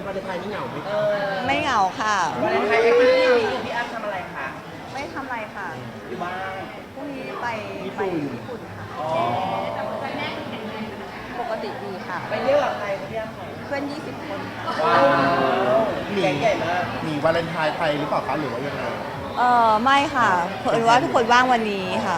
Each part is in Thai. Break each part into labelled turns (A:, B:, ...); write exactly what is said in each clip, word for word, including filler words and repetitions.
A: วันไทยนี่เหงาไหม
B: ไม่เหงาค่ะ
C: วันไทยเอ็กซ์พีรีพี่อ้ำทำอะไรคะ
B: ไม่ทำอะไรค่ะ
C: อยู่บ้าน
B: พรุ่งนี้ไปไปญี่ปุ่นค่ะปกติดีค่ะ
C: ไปเที่ยวกับใครพี่อ้ำ
B: เพื่อนยี่สิบคน
C: ว้าวแก๊งใหญ่มาก
A: มีวาเลนไทน์ไทยหรือเปล่าคะหรือว่ายังไง
B: เออไม่ค่ะเผอิญว่าทุกคนว่างวันนี้ค่ะ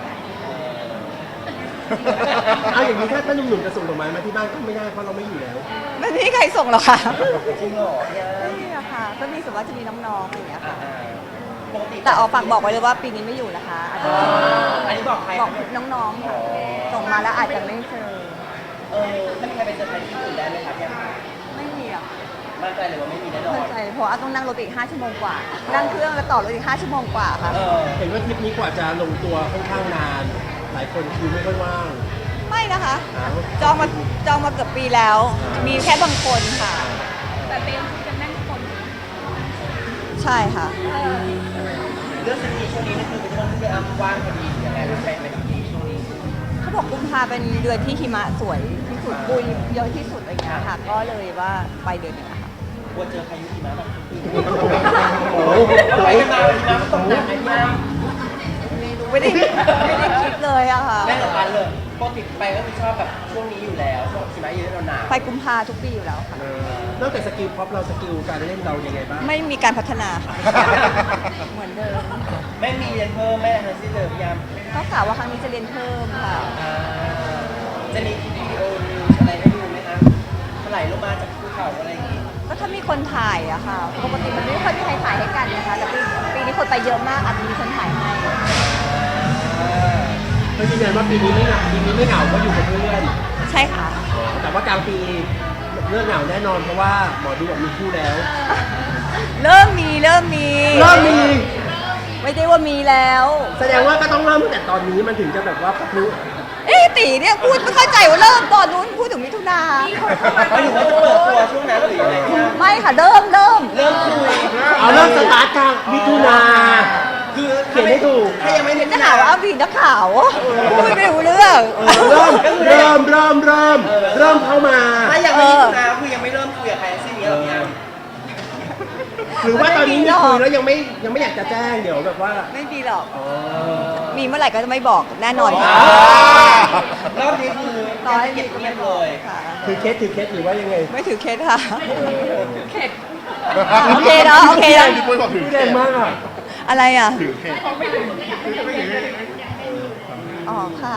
A: เอาอย่างนี้ถ้าถ้าหนุ่มๆจะส่งดอกไม้มาที่บ้านก็ไม่ได้เพราะเราไม่อยู่แล้ว
B: ไม่มีใครส่งหรอกค่ะ
C: จริงเหรอ
B: ไม่มีอะค่ะก็มีส่วนว่าจะมีน้องๆอะไรอย่างเงี้ยค่ะ
C: ปกติ
B: แต่ออกฝากบอกไว้เลยว่าปีนี้ไม่อยู่นะคะอาจจะ
C: อันนี้บอกใคร
B: บอกน้องๆค่ะส่งมาแล้วอาจจะไม่เจอ
C: เออถ้ามีใครเป็นเซอร์ไพรส์ที่อื่นได้ไหมคะพี่อ้ำ
B: ไม่มีอะ
C: มั่นใจเลยว่าไม่มีแน่นอน
B: มั่นใจเพราะว่าต้องนั่งรถอีกห้าชั่วโมงกว่านั่งเครื่องแล้วต่อรถอีกห้าชั่วโมงกว่าค่ะ
A: เห็นว่าทริปนี้กว่าจะลงตัวค่อนข้างนานหลายคนคือไม่ค่อยว่าง
B: ไม่นะคะจองมาจองมาเกือบปีแล้วมีแค่บางคนค่ะแต่เต็มจะแน่นคนใช่ค่ะ
C: เรื่องสกีช่วงนี้นี่คือเป็นช่วงที่พี่อ้ำว่างพอดียังไงเป็นไปไม่ดีช่วงนี้
B: เขาบอกกุมภาเป็นเดือนที่หิมะสวยที่สุดปุยเยอะที่สุดอะไรเงี้ยค่ะก็เลยว่าไปเดือนนี้ค่ะ
C: กลัวเจอพายุหิมะแบบโอ้โหไปกันมาหิมะมันตกหนักไหมพี่อ้ำ
B: ไม่ได้ไม่ได้คิดเลยอะค่ะ
C: แม่กับพันเลยปกติไปก็คือชอบแบบช่วงนี้อยู่แล้วช่วงหิมะเยอะหนาว
B: ไปกุมภาทุกปีอยู่แล้วค่ะ
A: นอกจากสกิลพ็อปเราสกิลการเล่นเรายังไงบ้าง
B: ไม่มีการพัฒนาเหมือนเดิม
C: ไม่มีเรียนเพิ่มแม่ทันทีเดิมยาม
B: ก็กล่าวว่าครั้งนี้จะเรียนเพิ่มค่ะ
C: จะมีวิดีโอนิวอะไรให้ดูไหมคะไหลลงมาจากภูเขาอะไรอย่างงี้
B: ก็ถ้ามีคนถ่ายอะค่ะปกติมันไม่ค่อยมีใครถ่ายให้กันนะคะแต่ปีปีนี้คนไปเยอะมากอาจจะมีคนถ่ายให้
A: ก็ยืนยันว่าปีนี้ไม่เหงาปีนี้ไม่เหงาเพราะอยู่กับเพื่อน
B: ใช่ค่ะ
A: แต่ว่ากลางปีเรื่องเหงาแน่นอนเพราะว่าหมอดูบอกมีคู่แล้ว
B: เริ่มมีเริ่มมี
A: เริ่มมี
B: ไม่ได้ว่ามีแล้ว
A: แสดงว่าก็ต้องเริ่มตั้งแต่ตอนนี้มันถึงจะแบบว่าพักรู้
B: เอ๊ะตีเนี่ยพูดไม่เข้าใจว่าเริ่มตอนนู้นพูดถึงมิถุนา
C: เขาอยู่ว่าจะเปิดตัวช่วงนั้นหรืออะไร
B: ไม่ค่ะเริ่มเริ่ม
C: เริ่มคุย
A: เอาเริ่มสตาร์ทกลางมิถุนา
C: คือ
A: เขียนให้ถูก
C: ถ้ายังไม่เห็น
B: จะหาว่าอ้าวบีนักข่าวพูดไม่รู้เรื่อง
A: เริ่มเริ่มเริ่มเริ่มเริ่มเข้ามา
C: ถ้ายังไม่มิถุนาคือยังไม่เริ่มคุยกับใครสิ่งนี้หรอกพี่อ้ำ
A: หรือว่าตอนนี้มีคุยแล้วยังไม่ยังไม่อยากจะแจ้งเดี๋ยวแบบว่า
B: ไม่มีหรอกมีเมื่อไหร่ก็จะไม่บอกแน่นอนค่ะ
C: รอบนี้คือ
B: ตอนเก็บเงียบเลย
A: ถือเคสถือเคสหรือว่ายังไง
B: ไม่ถือเคสค่ะเคสโอเคเนาะโอเคเนาะ
A: พี่ปุ้ยบอกถือเคสมากอ่ะ
B: อะไรอ่ะ
A: ถือเคส
B: อ๋อค่ะ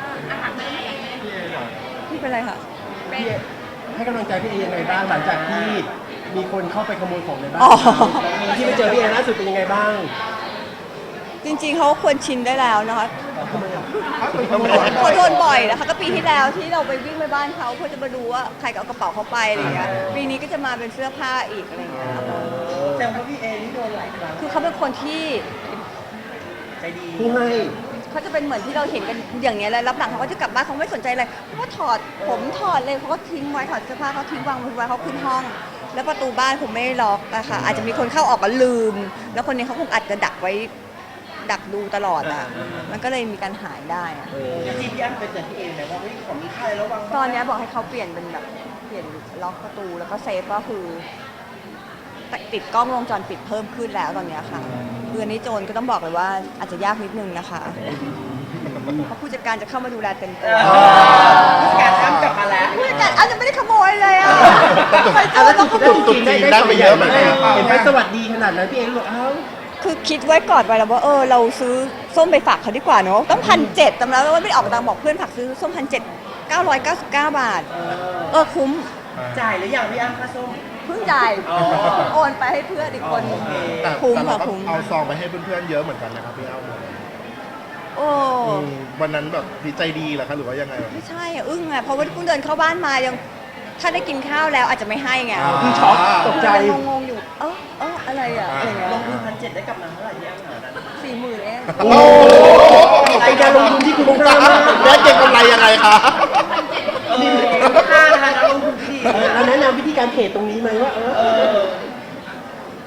B: พี่เป็นไรคะ
A: ให้กำลังใจพี่เอยังไงบ้างหลังจากที่มีคนเข้าไปขโมยของในบ้านที่ไปเจอพี่เอล่าสุดเป็นยังไงบ้าง
B: จริงๆเขาควรชินได้แล้วนะคะเขาโดนบ่อยนะคะก็ปีที่แล้วที่เราไปวิ่งไปบ้านเขาเพื่อจะมาดูว่าใครเอากระเป๋าเขาไปอะไรเงี้ยปีนี้ก็จะมาเป็นเสื้อผ้าอีกอะไรเงี้ย
C: แต่ว่าพี่เอนี่โดนหลายครั้ง
B: คือเขาเป็นคนที่
C: ใจดี
A: ผู้ให้
B: เขาจะเป็นเหมือนที่เราเห็นกันอย่างเงี้ยเลยรับหลังเขาก็จะกลับบ้านเขาไม่สนใจอะไรเขาก็ถอดผมถอดเลยเขาก็ทิ้งไว้ถอดเสื้อผ้าเขาทิ้งวางไว้เขาขึ้นห้องแล้วประตูบ้านผมไม่ล็อกอะค่ะอาจจะมีคนเข้าออกก็ลืมแล้วคนนี้เขาคงอาจจะดักไว้ดักดูตลอดอ่ะมันก็เลยมีการหายได้อ่ะ
C: ที่พี่อ้ำไปเจอพี่เอไหมว่าเฮ้ยของมีค่าแล้ววาง
B: ตอนนี้บอกให้เขาเปลี่ยนเป็นแบบเปลี่ยนล็อกประตูแล้วก็เซฟก็คือติดกล้องวงจรปิดเพิ่มขึ้นแล้วตอนนี้ค่ะเดือนนี้โจรก็ต้องบอกเลยว่าอาจจะยากนิดนึงนะคะเพราะผู้จัดการจะเข้ามาดูแลเต็มตัว
C: ผู้จัดการอ้ำกลับมาแล้ว
B: ผู้จัดการอ้ำจะไม่ได้ขโมยเลยอ่ะ
A: ไปเจอต้องขโมยจริงได้ได้ไปเยอะเหมือนกันเห็นไปสวัสดีขนาดนั้นพี่เอบอกอ้าว
B: คือคิดไว้ก่อนไปแล้วว่าเออเราซื้อส้มไปฝากเขาดีกว่าเนาะต้องพันเจ็ดจำแล้วว่าไม่ได้ออกตังค์บอกเพื่อนฝากซื้อส้มพันเจ็ดเก้าร้อยเก้าสิบเก้าบาทเออคุ้ม
C: จ่ายหรือยังพี่อ้ำค่าส้ม
B: เพิ่งจ่ายโอนไปให้เพื่อนอีกคนคุ้มค่ะคุ้ม
A: เอาซองไปให้เพื่อนๆเยอะเหมือนกันนะครับพี่อ้ำ
B: โอ้
A: วันนั้นแบบดีใจดีเหรอคะหรือว่ายังไง
B: ไม่ใช่อึ้งไงเพราะว่าเพิ่งเดินเข้าบ้านมายังถ้าได้กินข้าวแล้วอาจจะไม่ให้ไง
A: คือช็อกตกใจ
B: งงๆอยู่เออเอออะไรอ่ะอะไรเงี้ย
C: ลงทุนพันเจ็ดได้กลับมาเท่าไหร่ที่อ้ำหานั้น
B: สี่หมื่นเอง
A: โอ้เป็นการลงทุนที่คุ้มค่ามากแล้วเก็งกำไรยังไงคะ
C: นี่ค่านะคะลงทุนที่
A: แล้วแนะนำวิธีการเทรดตรงนี้ไหมว่าเออ
B: คือ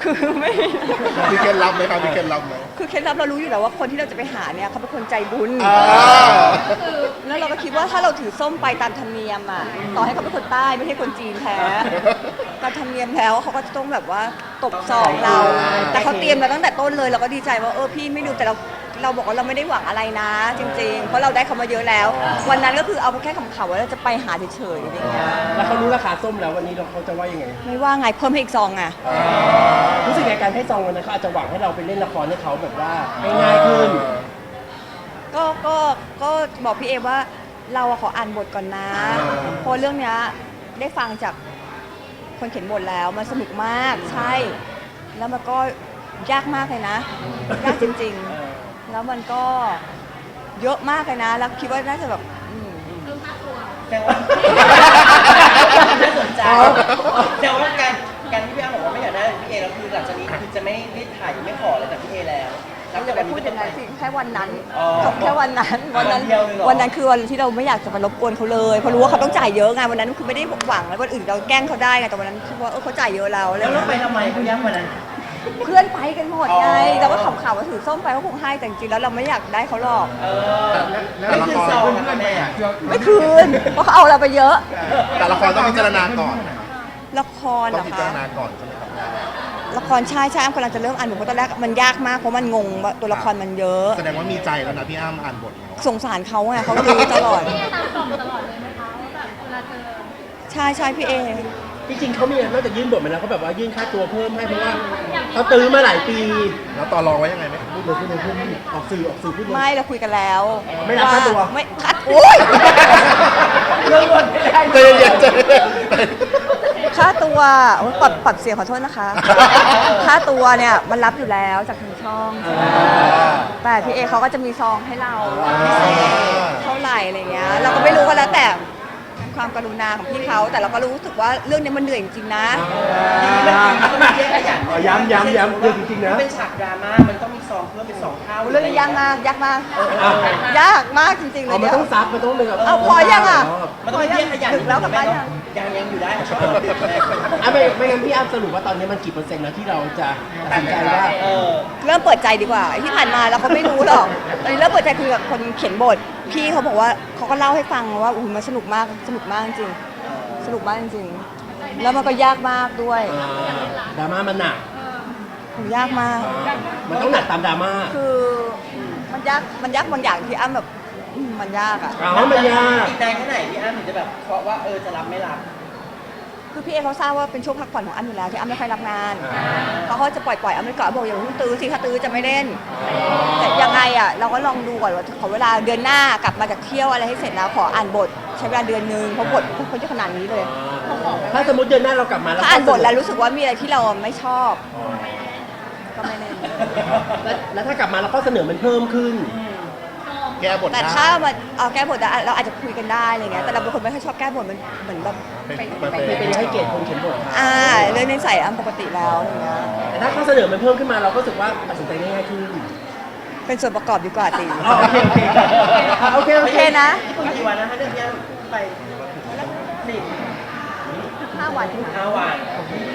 B: คือไม่
D: มีเคล็ดลับไหมครับมีเคล็ดลับไหม
B: คือเคล็ดลับเรารู้อยู่แล้วว่าคนที่เราจะไปหาเนี่ยเขาเป็นคนใจบุญ
D: อ่า
B: แล้วเราก็คิดว่าถ้าเราถือส้มไปตามธรรมเนียมอ่ะต่อให้เขาเป็นคนใต้ไม่ใช่คนจีนแท้ตามธรรมเนียมแล้วเขาก็จะต้องแบบว่าตบซองเรา แต่เขาเตรียมมาตั้งแต่ต้นเลยเราก็ดีใจว่าเออพี่ไม่ดูแต่เราเราบอกว่าเราไม่ได้หวังอะไรนะ จริงๆ เพราะเราได้เขามาเยอะแล้ว วันนั้นก็คือเอาแค่ขำๆว่าเราจะไปหาเฉยๆอะไรเงี้ย
A: แล้วเขารู้ราคาส้มแล้ววันนี้เราเขาจะว่ายังไง
B: ไม่ว่าไงเพิ่มให้อีกซองอ่ะ
A: รู้สึกในการให้ซองวันนั้นเขาอาจจะหวังให้เราไปเล่นละครให้เขาแบบว่าง่ายๆขึ้น
B: ก็ก็ก็บอกพี่เอว่าเราอะขออ่านบทก่อนนะเพราะเรื่องเนี้ยได้ฟังจากคนเขียนบทแล้วมันสนุกมากใช่ แล้วมันก็ยากมากเลยนะ ยากจริงๆ แล้วมันก็เยอะมากเลยนะ แล้วคิดว่าน่าจะแบบอืม
C: แต่ว่าน่าสนใจแต่ว่าการการที่พี่อ้ำบอกว่าไม่อยากได้พี่เอแล้วคือหลังจากนี้คือจะไม่รีบถ่ายไม่ขออะไรจากพี่เอแล้วนับ
B: อ
C: จา
B: ย่าก ไป
C: วันนี้
B: พูด
C: เป็น
B: อ
C: ต้
B: ย่าน ง
C: ไป
B: นั้นสิแค่วันนั้น
C: อ๋อ
B: แค่วันนั้นวันนั้น
C: วันเดียวเลยเหรอ
B: วันนั้นคือวันที่เราไม่อยากจะมารบกวนเขาเลยเพราะรู้ว่าเขาต้องจ่ายเยอะไงวันนั้นคือไม่ได้หวังแล้ววันอื่นเราแกล้งเขาได้ไงแต่วันนั้นคือว่าเออเขาจ่ายเยอะแล้ว
C: แล้วเราไปทำไมเขาย้ำวันนั้น
B: เพื่อนไปกันหมดไง
C: อ๋อ
B: เราก็ขำๆว่าถือส้มไปเขาคงให้แต่จริงๆแล้วเราไม่อยากได้เขาหรอก
C: เออไม่คือซองนะคะแม่
B: ไม่คืนเพราะเขาเอาเราไปเยอะ
D: แต่ละครต้องพิจารณาก่อน
B: ละครเห
D: ต้
B: ร
D: อง
B: อ
D: พิจาร
B: คะ
D: ณาก่อนใช่ไหมครับ
B: ละครใช่ใช่อ้ำกำลังจะเริ่มอ่านบทเพราะตอนแรกมันยากมากเพราะมันงงว่าตัวละครมันเยอะ
D: แสดงว่ามีใจแล้วนะพี่อ้ำอ่านบทแล้ว
B: สงสารเขาไงเขาตื้อตลอด
E: พี่ตามกล่องตลอดเลยไหมคะว่าแบบเวลาเจอ
B: ใช่ใช่พี่เอ
A: จริงๆเขามีนอกจากยื่นบทมาแล้วเขาแบบว่ายื่นค่าตัวเพิ่มให้เพราะว่าเขาตื้อมาหลายปี
D: แล้วต่อรองไว้ยังไงไหม
A: พูดเลยพูดเลยพูดเลยออกสื่อออกสื่อพูดเลย
B: ไม่เราคุยกันแล้ว
A: ไม่รับค่าตัว
B: ไม่คัดโอ้ย
C: เรื่องบนไม่ได้
D: ใจเย็นๆใจเย็น
B: ค่าตัวโอ๊ยปรับปรับเสียงขอโทษนะคะ ค่าตัวเนี่ยมันรับอยู่แล้วจากทางช่อง แต่พี่เอเขาก็จะมีซองให้เราพิเศษเท่าไหร่อะไรเงี้ยเราก็ไม่รู้ก็แล้วแต่ความกรุณาของพี่เขาแต่เราก็รู้สึกว่าเรื่องนี้มันเหนื่อยจริงๆนะ
C: ดีมันจริงมันต้องมีแยกขยัน
A: อ๋อย้ำย้ำย้ำเรื่องจริงๆนะ
C: เป็นฉากดราม่ามันต้องมีซองเพิ่มเป็นสองเท่า
B: เรื่องนี้ยากมากยากมาก ยากมากจริงๆเล
A: อ๋อย มันต้องซับมันต้องเป็นแบบ
B: เอาพอยังอ่ะ
C: มันต้องมีแยกขยัน
B: ถึงแล้วกลับบ้านยัง
C: ยังยังอยู่ได้
A: อ่ะไม่ไม่งั้นพี่อ้ำสรุปว่าตอนนี้มันกี่เปอร์เซ็นต์แล้วที่เราจะตัดสินใจว่า
C: เออ
B: เริ่มเปิดใจดีกว่าไอ้ที่ผ่านมาเราก็ไม่รู้หรอกตอนนี้เริ่มเปิดใจคุยกับคนเขียนบทพี่เขาบอกว่าเขาก็เล่าให้ฟังว่าอุ้ยมันสนุกมากสนุกมากจริงสนุกมากจริงแล้วมันก็ยากมากด้วย
A: อ่าดราม่ามันหนัก
B: โหยากมาก
A: มันต้องหนักตามดราม่า
B: คือมันยากมันยากบางอย่างที่อ้ำแบบอืมมันยากอ่ะ
A: อ๋อมันยาก
C: อีกนานแค่ไหนพี่อ้ำถึงจะแบบเพราะว่าเออจะรับไม่รับ
B: คือพี่เอเขาทราบว่าเป็นช่วงพักผ่อนของอ้ำอยู่แล้วที่อ้ำไม่ค่อยรับงานเขาก็จะปล่อยปล่อยอ้ำไปก่อนบอกอย่าเพิ่งตื้อสิถ้าตื้อจะไม่เล่นแต่ยังไงอ่ะเราก็ลองดูก่อนว่าขอเวลาเดือนหน้ากลับมาจากเที่ยวอะไรให้เสร็จแล้วขออ่านบทใช้เวลาเดือนนึงเพราะบทเขาจะขนาดนี้เลย
A: ถ้าสมมติเดือนหน้าเรากลับมาแล้ว
B: ถ้าอ่านบทแล้วรู้สึกว่ามีอะไรที่เราไม่ชอบ ก็ไม่เล่น
A: แล้วแล้วถ้ากลับมาเราก็เสนอมันเพิ่มขึ้น
D: แก้บท
B: แต่
D: ได้
B: ถ้ามาเอาแก้บทอะเราอาจจะคุยกันได้อะไรเงี้ยแต่เราเป็นคนไม่ค่อยชอบแก้บทมันเหมือนแบบ
D: เป็น
B: ไป
D: เป็น
A: ไม่เป็นให้เกียรติคนเขียนบทครับ
B: อ่าเรื่องในใส่อ้ำปกติแล้วอะไรเงี้ย
A: แต่ถ้าเขาเสนอมันเพิ่มขึ้นมาเราก็รู้สึกว่าตัดสินใจง่ายขึ้น
B: เป็นส่วนประกอบดีกว่าตี
A: อ๋อโอเคโอเคอ่ะโอเคโอ
B: โอ
A: เค
B: เคนะ
C: ญี่ปุ่นกี่วันนะถ้าเดือนนี้ไปสิบ
B: ห้าวัน
C: ห้าวัน